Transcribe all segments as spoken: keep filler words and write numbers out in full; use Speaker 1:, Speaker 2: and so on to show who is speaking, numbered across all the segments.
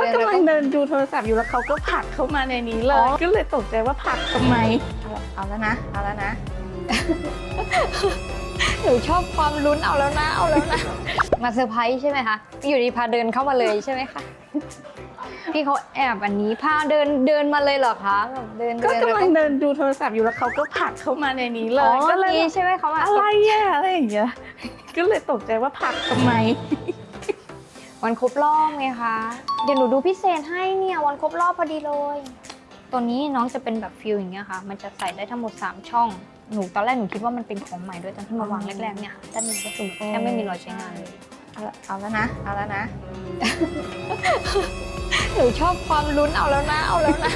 Speaker 1: กำลังเดินดูโทรศัพท์อยู่แล้วเขาก็ผลักเข้ามาในนี้เลยก็เลยตกใจว่าผลักทำไมเอาแล้วนะเอาแล้วนะ
Speaker 2: หนูชอบความลุ้นเอาแล้วนะเอาแล้วนะมาเซอร์ไพรส์ใช่ไหมคะอยู่ดีพาเดินเข้ามาเลยใช่ไหมคะพี่เขาแอบอันนี้พาเดินเดินมาเลยเหรอคะแบบเดิน
Speaker 1: ก็กำลังเดินดูโทรศัพท์อยู่แล้วเขาก็ผลักเข้ามาในนี้เลยก็เลย
Speaker 2: ใช่ไหมเขามา
Speaker 1: อะไรอะอะไรอย่างเงี้ยก็เลยตกใจว่าผลักทำไม
Speaker 2: วันครบรอบไงคะเดี๋ยวหนูดูพิเศษให้เนี่ยวันครบรอบพอดีเลยตัวนี้น้องจะเป็นแบบฟิลอย่างเงี้ยค่ะมันจะใส่ได้ทั้งหมดสามช่องหนูตอนแรกหนูคิดว่ามันเป็นของใหม่ด้วยตอนที่มาวางแรกๆเนี่ยค่ะด้านนี้ก็คือแทบไม่มีรอยใช้งานเลย
Speaker 1: เอาแล้วนะเอาแล้วนะ
Speaker 2: หนูชอบความลุ้นเอาแล้วนะเอาแล้วนะ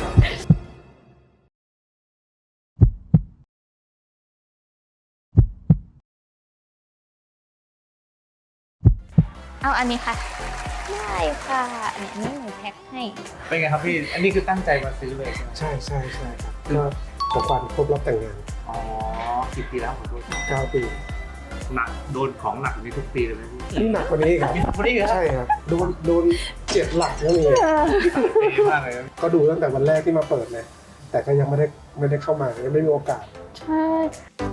Speaker 2: เอาอันนี้ค่ะได้ค่ะอันนี้หนูแพ็คให้
Speaker 3: เป็นไงครับพี่อันนี้คือตั้งใจมาซื้อเลยใช่ไหม
Speaker 4: ใช่ใช่ใช่ครับก็ของขวัญครบรอบแต่งงาน
Speaker 3: อ๋อกี่ปีแล้วขอโทษครับ
Speaker 4: เก้าปี
Speaker 3: หนักโดนของหนักนี้ทุกปีเลยไหมพี่
Speaker 4: นี่หนักกว่านี้ครับ
Speaker 3: วันนี้เหรอ
Speaker 4: ใช่ครับโดนโดนเจ็ดหลักก็มี
Speaker 3: ปีมากเลยนะ
Speaker 4: ก็ดูตั้งแต่วันแรกที่มาเปิดเลยแต่ก็ยังไม่ได้ไม่ได้เข้ามายังไม่มีโอกาส
Speaker 1: ใช่